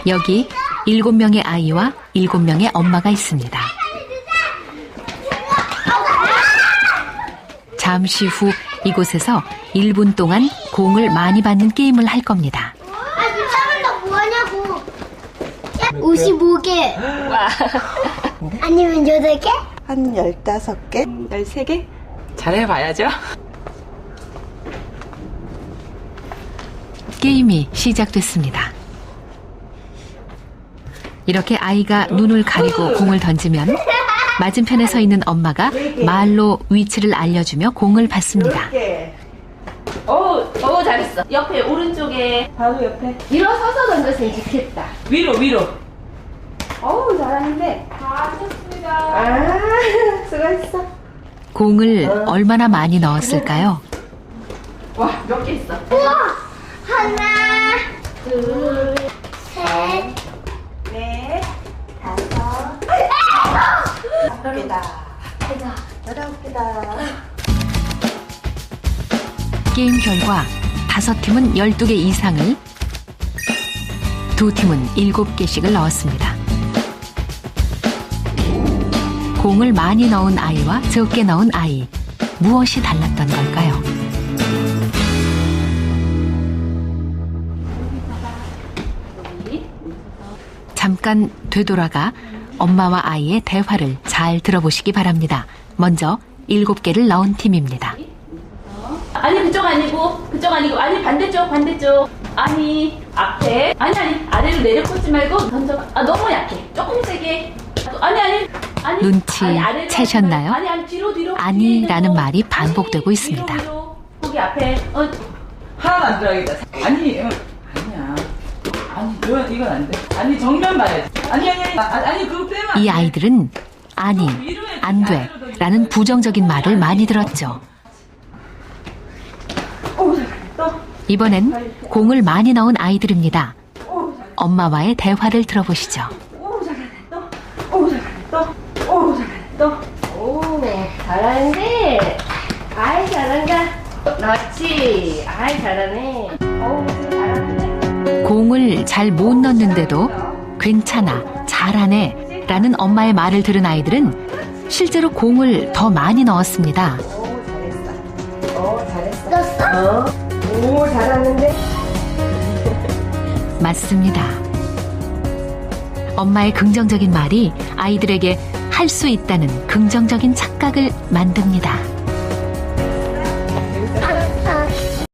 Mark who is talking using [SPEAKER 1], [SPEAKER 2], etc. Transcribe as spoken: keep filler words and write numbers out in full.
[SPEAKER 1] 여기 일곱 명의 아이와 일곱 명의 엄마가 있습니다. 잠시 후 이곳에서 일 분 동안 공을 많이 받는 게임을 할 겁니다.
[SPEAKER 2] 아, 뭐하냐고. 오십오 개. 아니면 여덟 개?
[SPEAKER 3] 한 열다섯 개?
[SPEAKER 4] 열세 개? 잘해봐야죠.
[SPEAKER 1] 게임이 시작됐습니다. 이렇게 아이가 눈을 가리고 공을 던지면 맞은편에 서 있는 엄마가 말로 위치를 알려주며 공을 받습니다.
[SPEAKER 4] 오, 오 잘했어. 옆에 오른쪽에 바로 옆에 일어서서 던졌으면 좋겠다. 위로 위로. 어우 잘하는데. 다 쳤습니다. 아 수고했어.
[SPEAKER 1] 공을 얼마나 많이 넣었을까요?
[SPEAKER 4] 와 몇 개 있어?
[SPEAKER 2] 우와! 하나, 둘, 셋,
[SPEAKER 3] 넷, 다섯, 아홉 개다. 열아홉 개다.
[SPEAKER 1] 게임 결과 다섯 팀은 열두 개 이상을, 두 팀은 일곱 개씩을 넣었습니다. 공을 많이 넣은 아이와 적게 넣은 아이, 무엇이 달랐던 걸까요? 잠깐 되돌아가 엄마와 아이의 대화를 잘 들어보시기 바랍니다. 먼저 일곱 개를 넣은 팀입니다.
[SPEAKER 4] 아니 그쪽 아니고 그쪽 아니고 아니 반대쪽 반대쪽 아니 앞에 아니 아니 아래로 내려 꽂지 말고 던져. 아 너무 약해. 조금 세게. 아니 아니 아니
[SPEAKER 1] 눈치
[SPEAKER 4] 아니, 아래로
[SPEAKER 1] 채셨나요?
[SPEAKER 4] 아니 아니 뒤로 뒤로
[SPEAKER 1] 아니라는 말이 반복되고 있습니다.
[SPEAKER 4] 위로, 위로. 거기 앞에 어
[SPEAKER 5] 하나도 안 들어가겠다. 아니, 어, 아니야. 아니, 이건, 이건 안 돼. 아니, 정면 봐야지. 아니, 아니, 아니, 아니, 아니 그거 빼면 안
[SPEAKER 1] 이
[SPEAKER 5] 돼.
[SPEAKER 1] 아이들은 아니, 안 돼 라는 부정적인 말을 많이 들었죠.
[SPEAKER 5] 오, 잘했어.
[SPEAKER 1] 이번엔 공을 많이 넣은 아이들입니다. 엄마와의 대화를 들어보시죠.
[SPEAKER 5] 오, 잘했어. 오, 잘했어. 오, 잘했어.
[SPEAKER 4] 오 잘하는데. 아이 잘한다. 그렇지. 아이 잘하네. 어우 잘하는데.
[SPEAKER 1] 공을 잘 못 넣는데도 괜찮아, 잘하네 라는 엄마의 말을 들은 아이들은 실제로 공을 더 많이 넣었습니다.
[SPEAKER 3] 오, 잘했어. 오, 잘했어.
[SPEAKER 2] 넣었어?
[SPEAKER 3] 어? 오, 잘하는데?
[SPEAKER 1] 맞습니다. 엄마의 긍정적인 말이 아이들에게 할 수 있다는 긍정적인 착각을 만듭니다.